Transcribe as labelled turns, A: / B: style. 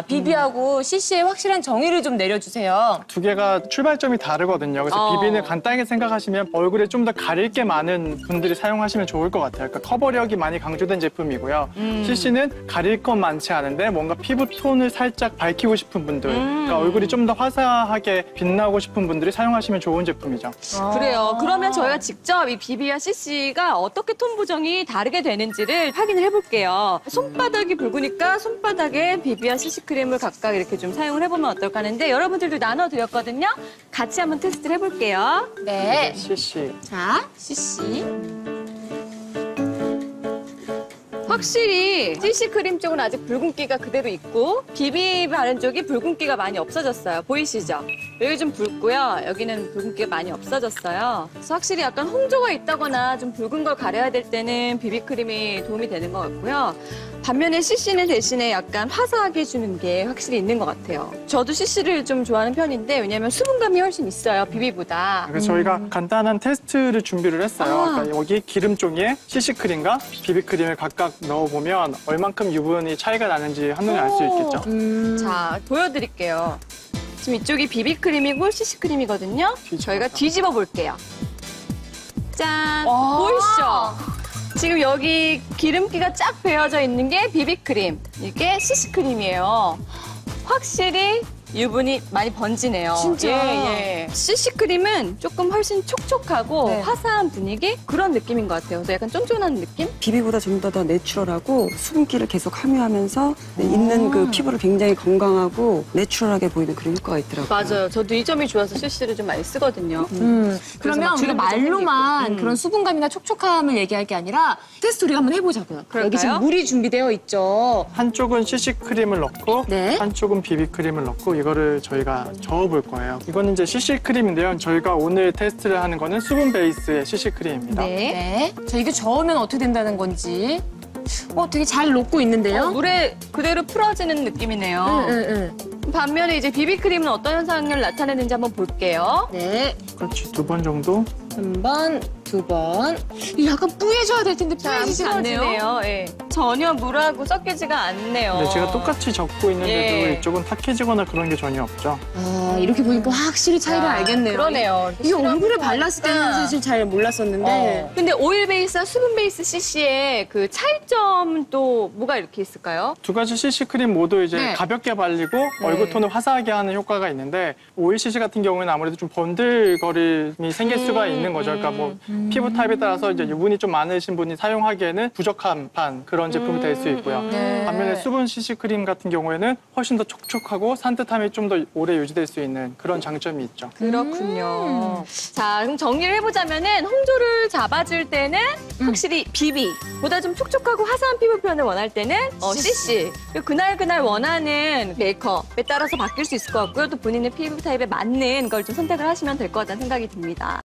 A: BB하고 CC의 확실한 정의를 좀 내려주세요.
B: 두 개가 출발점이 다르거든요. 그래서 BB는 간단하게 생각하시면 얼굴에 좀 더 가릴 게 많은 분들이 사용하시면 좋을 것 같아요. 그러니까 커버력이 많이 강조된 제품이고요. CC는 가릴 건 많지 않은데 뭔가 피부 톤을 살짝 밝히고 싶은 분들, 그러니까 얼굴이 좀 더 화사하게 빛나고 싶은 분들이 사용하시면 좋은 제품이죠.
C: 그래요. 그러면 저희가 직접 이 BB와 CC가 어떻게 톤 보정이 다르게 되는지를 확인을 해볼게요. 손바닥이 붉으니까 손바닥에 BB와 CC 크림을 각각 이렇게 좀 사용을 해보면 어떨까 하는데 여러분들도 나눠드렸거든요. 같이 한번 테스트를 해볼게요.
A: 네.
B: CC.
A: 자, CC.
C: 확실히 CC 크림 쪽은 아직 붉은기가 그대로 있고 BB 바른 쪽이 붉은기가 많이 없어졌어요. 보이시죠? 여기 좀 붉고요. 여기는 붉은기가 많이 없어졌어요. 그래서 확실히 약간 홍조가 있다거나 좀 붉은 걸 가려야 될 때는 BB 크림이 도움이 되는 것 같고요. 반면에 CC는 대신에 약간 화사하게 해주는 게 확실히 있는 것 같아요. 저도 CC를 좀 좋아하는 편인데 왜냐면 수분감이 훨씬 있어요, BB보다.
B: 그래서 저희가 간단한 테스트를 준비를 했어요. 그러니까 여기 기름 종이에 CC 크림과 BB 크림을 각각 넣어보면 얼만큼 유분이 차이가 나는지 한눈에 알 수 있겠죠.
C: 자, 보여드릴게요. 지금 이쪽이 BB 크림이고 CC 크림이거든요. 저희가 뒤집어 볼게요. 짠! 보이시죠? 지금 여기 기름기가 쫙 배어져 있는 게 BB 크림, 이게 CC 크림이에요. 확실히 유분이 많이 번지네요.
A: 진짜?
C: 예. CC 크림은 조금 훨씬 촉촉하고
A: 네.
C: 화사한 분위기? 그런 느낌인 것 같아요. 그래서 약간 쫀쫀한 느낌?
D: 비비보다 좀 더 내추럴하고 수분기를 계속 함유하면서 있는 그 피부를 굉장히 건강하고 내추럴하게 보이는 그런 효과가 있더라고요.
C: 맞아요. 저도 이 점이 좋아서 CC를 좀 많이 쓰거든요.
A: 그러면
C: 막
A: 우리가
C: 주름
A: 말로만 그런 수분감이나 촉촉함을 얘기할 게 아니라 테스트 우리가 한번 해보자고요.
C: 그럴까요?
A: 여기 지금 물이 준비되어 있죠.
B: 한쪽은 CC 크림을 넣고
A: 네.
B: 한쪽은 BB 크림을 넣고 이거를 저희가 저어볼 거예요. 이거는 이제 CC 크림인데요. 저희가 오늘 테스트를 하는 거는 수분 베이스의 CC 크림입니다.
A: 네. 자, 이게 저으면 어떻게 된다는 건지. 되게 잘 녹고 있는데요?
C: 물에 그대로 풀어지는 느낌이네요.
A: 응.
C: 반면에 이제 비비크림은 어떤 현상을 나타내는지 한번 볼게요.
A: 네.
B: 그렇지, 2번 정도.
A: 한 번, 두 번. 이게 약간 뿌얘져야 될 텐데 뿌얘지지 않네요.
C: 예. 전혀 물하고 섞이지가 않네요.
B: 네, 제가 똑같이 적고 있는데도
C: 예.
B: 이쪽은 탁해지거나 그런 게 전혀 없죠.
A: 아, 이렇게 보니까 확실히 차이를 알겠네요.
C: 그러네요.
A: 이게 얼굴에 발랐을 때는 사실 잘 몰랐었는데.
C: 근데 오일 베이스와 수분 베이스 CC의 그 차이점은 또 뭐가 이렇게 있을까요?
B: 두 가지 CC 크림 모두 이제
A: 네.
B: 가볍게 발리고 얼굴 톤을 화사하게 하는 효과가 있는데 오일 CC 같은 경우에는 아무래도 좀 번들거림이 생길 수가 있는 거죠. 그러니까 뭐 피부 타입에 따라서 이제 유분이 좀 많으신 분이 사용하기에는 부적합한 그런 제품이 될 수 있고요.
A: 네.
B: 반면에 수분 CC 크림 같은 경우에는 훨씬 더 촉촉하고 산뜻함이 좀 더 오래 유지될 수 있는 그런 장점이 있죠.
C: 그렇군요. 자, 그럼 정리를 해보자면은 홍조를 잡아줄 때는 확실히 BB보다 좀 촉촉하고 화사한 피부 표현을 원할 때는 CC. 그리고 그날 원하는 메이크업에 따라서 바뀔 수 있을 것 같고요. 또 본인의 피부 타입에 맞는 걸 좀 선택을 하시면 될 것 같다는 생각이 듭니다.